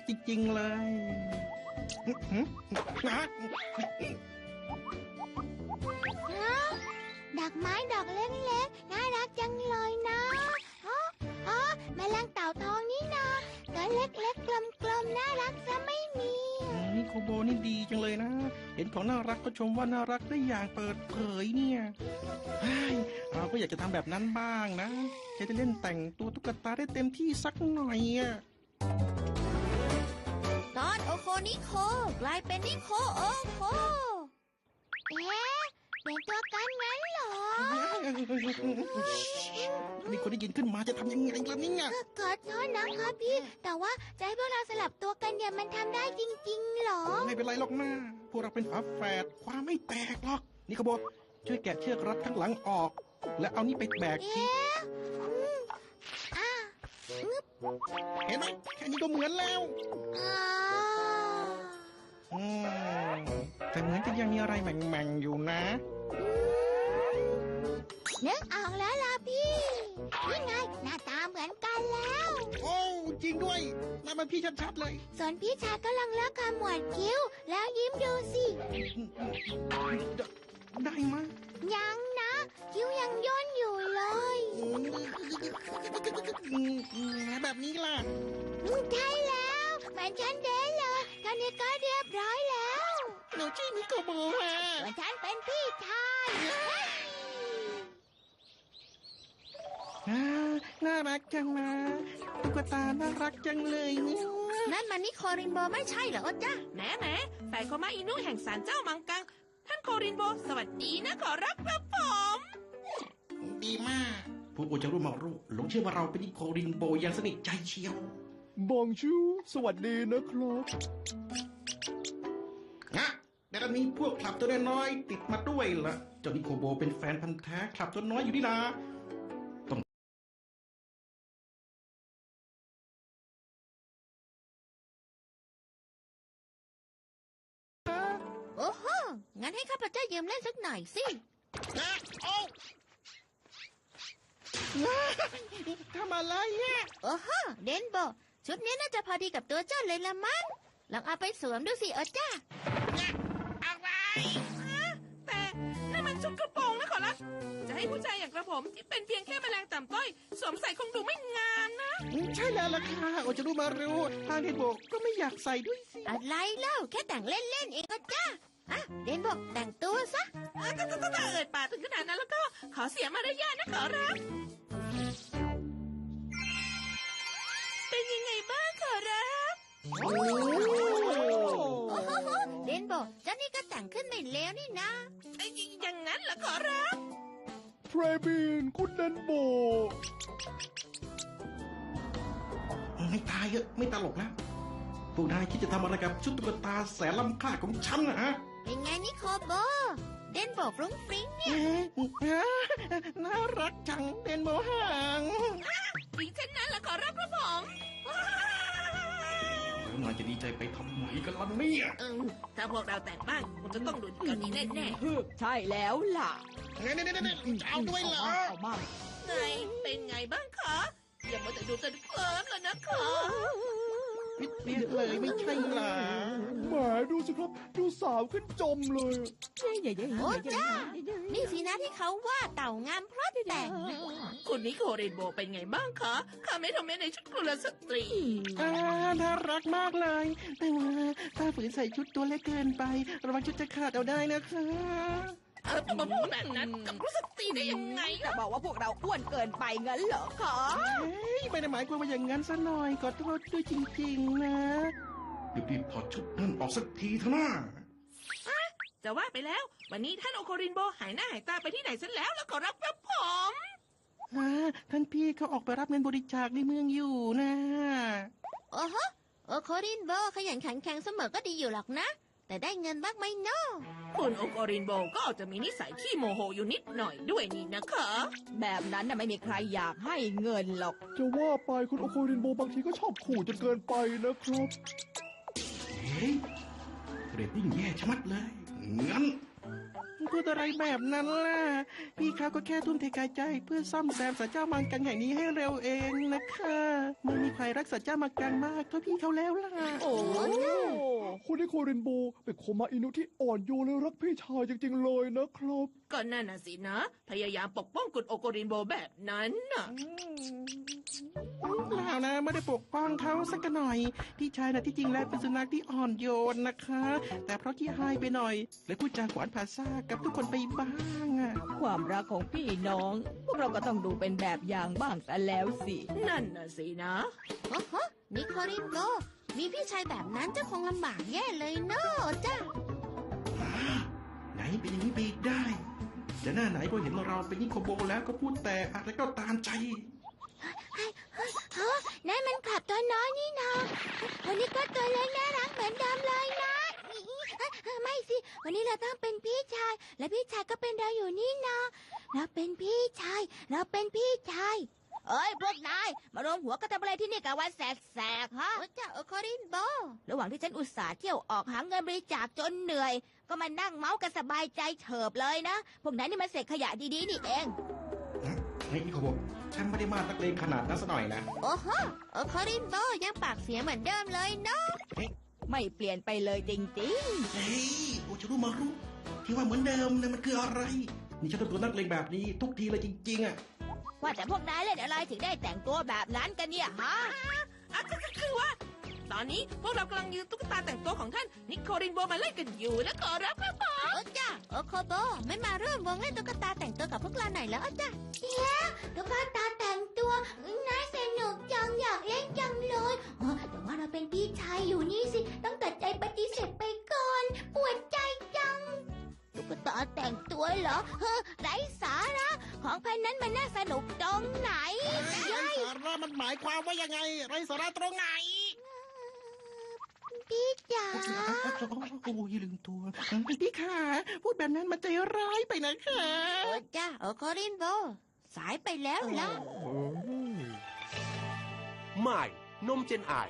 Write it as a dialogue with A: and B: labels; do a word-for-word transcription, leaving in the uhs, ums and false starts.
A: จริงๆเลยนะ
B: ดอกไม้ดอกเล็กๆน่ารักจังเลยนะอ๋ออ๋อแมลงเต่าทองนี่นะตัวเล็กๆกลมๆน่ารักซะไม่มี
A: นี่โคโบนี่ดีจังเลยนะ เห็นของน่ารักก็ชมว่าน่ารักได้อย่างเปิดเผยเนี่ยเฮ้ยเราก็อยากจะทำแบบนั้นบ้างนะจะได้เล่นแต่งตัวตุ๊กตาได้เต็มที่สักหน่อยอ่ะ
C: ตอนโอโคนิโคกลายเป็นนิโคโอโค
B: เอ๊ะเปลี่ยนตัวกันงั้นเหรอ
A: นี่คนได้ยินขึ้นมาจะทำยังไงล่ะเนี่ย
B: ก็ขอโทษนะครับพี่ แต่ว่าจะให้พวกเราสลับตัวกันเนี่ยมันทำได้จริงๆเหรอ
A: ไม่เป็นไรหรอกนะพวกเราเป็นฝาแฝดความไม่แตกหรอกนี่ขบวนช่วยแกะเชือกรัดข้างหลังออก แล้วเอานี่ไปแบกที
B: เอ๊ะอืมอ่ะ
A: เห็นไหมแค่นี้ก็เหมือนแล้ว
B: อ่า
A: อืมแต่เหมือนจะยังมีอะไรแหม่งๆอยู่นะ
B: นึกออกแล้วล่ะพี่ นี่ไงหน้าตาเหมือนกันแล้ว
A: โอ้จริงด้วยนั่นมันพี่ชัดๆเลย
B: ส่วนพี่ชายกำลังเลิกขมวดคิ้ว แล้วยิ้มดูสิ
A: ได้มะ
B: ยังนะ คิ้วยังย่นอยู่เลย
A: แบบนี้ล่ะ
B: อืมใช่แล้วเหมือนฉันเด้เลยตอนนี้ก็เรียบร้อยแล้ว
A: หนูชื่อนิโกโบฮะ
B: ส่วนฉันเป็นพี่ชาย
A: อ่าน่ารักจังนะตุ๊กตาน่ารักจังเลยเนี่ย
C: นั่นมันนิโครินโบไม่ใช่เหรอจ๊ะ
D: แหมแหมแฝดโคมาอินุแห่งศาลเจ้ามังกัง ท่านโครินโบ สวัสดีนะขอรับครับผม
A: ดีมากผู้โอจะรู้มารู้หลงเชื่อว่าเราเป็นนิโครินโบอย่างสนิทใจเชียว
E: บองชูสวัสดีนะครับ
A: นะแต่ตอนนี้พวกคลับตัวน้อยๆติดมาด้วยล่ะเจ้านิโคโบเป็นแฟนพันธ์แท้คลับตัวน้อยอยู่นี่นะต้อง
C: โอ้โห งั้นให้ข้าพเจ้ายืมเล่นสักหน่อยสิ
A: นะโอ้ทำอะไรเนี่ย
C: โอ้โห เดนโบ ชุดนี้น่าจะพอดีกับตัวเจ้าเลยละมั้ง ลองเอาไปสวมดูสิเออจ้า
A: อะไร
D: แต่นั่นมันชุดกระโปรงนะขอรับ จะให้ผู้ชายอย่างกระผมที่เป็นเพียงแค่แมลงต่ำต้อย สวมใส่คงดูไม่งามนะ
A: ใช่แล้วล่ะค่ะโอจะรู้มารู้ทางเดนโบก็ไม่อยากใส่ด้วยสิ
C: อะไรเล่า แค่แต่งเล่นๆเองเออจ้าอ่ะ เดนโบแต่งตัวซะ
D: ถ้าถ้าถ้าถ้าเอ่ยปากถึงขนาดนั้นแล้วก็ขอเสียมารยาทนะขอรับ เป็นยังไงบ้างขอรับ
A: โอ้
C: โอ้โห เดนโบเจ้านี่ก็แต่งขึ้นไม่เลวนี่นะ
D: ไอ้ยอย่างนั้นเหรอขอรับ
E: เทรบินคุณเดนโบ
A: ไม่ตายเยอะไม่ตลกแล้วพวกนายคิดจะทำอะไรกับชุดตุ๊กตาแสนล้ำค่าของฉันนะฮะ
C: เป็นไงนิโคโบ เดนโบฟรุ้งฟริ้งเนี่ย
A: เอ๊ะน่ารักจังเดนโบห่าง
D: อีกเช่นนั้นเหรอขอรับครับผม
A: แล้วนายจะดีใจไปทำไมกันล่ะเนี่ย
D: เออถ้าพวกเราแต่งบ้านคงจะต้องดูดีกว่านี้แน่
F: ใช่แล้วล่ะ
A: เนี่ยเนี่ยเนี่ยจะเอาด้วยเหรอ
F: เอามา
D: ๆไงเป็นไงบ้างคะอย่ามาแต่ดูจนเคลิ้มเลยนะคะ
A: พิดเพี้ยนเลยไม่ใช่เหรอ
E: แหมดูสิครับ ดูสาวขึ้นจมเลย
C: โอ้จ้า นี่สินะที่เขาว่าเต่างามเพราะแต่ง
D: คุณนิโคเรนโบเป็นไงบ้างคะข้าไม่ทำแม้ในชุดกุลสตรี
A: อ่าน่ารักมากเลย แต่ว่าถ้าฝืนใส่ชุดตัวเล็กเกินไประวังชุดจะขาดเอาได้นะคะ
D: เออมาพูดแบบนั้นกับกุลสตรีได้ยังไง
F: จะบอกว่าพวกเราอ้วนเกินไปงั้นเหรอคะ
A: เฮ้ยไม่ได้หมายความว่าอย่างนั้นซะหน่อยขอโทษด้วยจริงๆนะรีบๆถอดชุดนั่นออกสักทีเถอะนะ
D: จะว่าไปแล้ว วันนี้ท่านโอโครินโบหายหน้าหายตาไปที่ไหนซะแล้วแล้วก็รับครับผม
A: อ่าท่านพี่เขาออกไปรับเงินบริจาคในเมืองอยู่นะ
C: โอ้โหโอโครินโบขยันขันแข็งเสมอก็ดีอยู่หรอกนะ แต่ได้เงินบ้างไหมเนาะ
D: คุณโอโครินโบก็อาจจะมีนิสัยขี้โมโหอยู่นิดหน่อยด้วยนี่นะคะ
F: แบบนั้นน่ะไม่มีใครอยากให้เงินหรอก
E: จะว่าไปคุณโอโครินโบบางทีก็ชอบขู่จนเกินไปนะครับ
A: เฮ้ยเรตติ้งแย่ชะมัดเลย งั้นพูดอะไรแบบนั้นล่ะ พี่เขาก็แค่ทุ่มเทกายใจเพื่อซ่อมแซมสัจเจ้ามังกังแห่งนี้ให้เร็วเองนะคะไม่มีใครรักสัจเจ้ามังกังมากเท่าพี่เขาแล้วล่ะ
F: โอ้
E: คุณนิโครินโบเป็นโคมาอินุที่อ่อนโยนและรักพี่ชายจริงๆเลยนะครับ
D: ก็นั่นน่ะสินะ พยายามปกป้องกุดโอโกรินโบแบบนั้นน่ะ
A: เปล่านะไม่ได้ปกป้องเขาสักหน่อย พี่ชายนะที่จริงแล้วเป็นสุนัขที่อ่อนโยนนะคะ แต่เพราะขี้หายไปหน่อยเลยพูดจาขวานผ่าซ่ากกับทุกคนไปบ้างอะ
F: ความรักของพี่น้อง พวกเราก็ต้องดูเป็นแบบอย่างบ้างซะแล้วสิ
D: นั่นน่ะสินะ
C: โอ้โหนิโครินโบมีพี่ชายแบบนั้นเจ้าคงลำบากแย่เลยเนอะจ้า
A: ไหนเป็นอย่างนี้ไปอีกได้ จะหน้าไหนพอเห็นเราเป็นนิโคโบแล้วก็พูดแต่อะไรก็ตามใจ
B: ฮะนั่นมันขับตัวน้อยนี่นาวันนี้ก็ตัวเล็กน่ารักเหมือนเดิมเลยนะไม่สิ วันนี้เราต้องเป็นพี่ชาย และพี่ชายก็เป็นเราอยู่นี่นาเราเป็นพี่ชาย เราเป็นพี่ชาย
F: เอ้ยพวกนาย มารวมหัวกันทำอะไรที่นี่กับวันแสกๆฮะ
C: โอ้จ้าโอโครินโบ
F: ระหว่างที่ฉันอุตส่าห์เที่ยวออกหาเงินบริจาคจนเหนื่อย ก็มานั่งเมาส์กันสบายใจเฉิบเลยนะ พวกนั้นนี่มันเศษขยะดีๆนี่เอง
A: เฮ้ยนิโคโบฉันไม่ได้มาตักเลงขนาดนั้นซะหน่อยนะ
C: โอ้โหโอโครินโบยังปากเสียเหมือนเดิมเลยเนอะ
F: ไม่เปลี่ยนไปเลยจริง
A: เฮ้ยโอจะรู้มารู้ที่ว่าเหมือนเดิมนะมันคืออะไร นี่ฉันต้องตัวนักเลงแบบนี้ทุกทีเลยจริงๆอะ
F: ๆ ว่าแต่พวกนายเล่นอะไรถึงได้แต่งตัวแบบนั้นกันเนี่ยฮะ
D: อ่ะก็ก็คือว่า ตอนนี้พวกเรากำลังยืมตุ๊กตาแต่งตัวของท่านนิโครินโบมาเล่นกันอยู่นะขอรับครับผม
C: โอ้จ้าโอโคโบไม่มาร่วมวงเล่นตุ๊กตาแต่งตัวกับพวกเราหน่อยแล้วจ้า
B: แล้วก็ตาแต่งตัวน่าสนุกจังอยากเล่นจังเลยอ๋อแต่ว่าเราเป็นพี่ชายอยู่นี่สิ ต้องตัดใจปฏิเสธไปก่อน ปวดใจจัง ตุ๊กตาแต่งตัวเหรอเฮ้อไร้สาระ ของพันนั้นมันน่าสนุกตรงไหน
A: ไร้สาระมันหมายความว่ายังไง ไรสาระตรงไหน
B: พี่จ๋า
A: โอ้ยลืมตัวพี่ขาพูดแบบนั้นมันใจร้ายไปนะคะ
C: โอ้จ้าโอโครินโบสายไปแล้วล่ะ
G: ใหม่ นมเจนไอ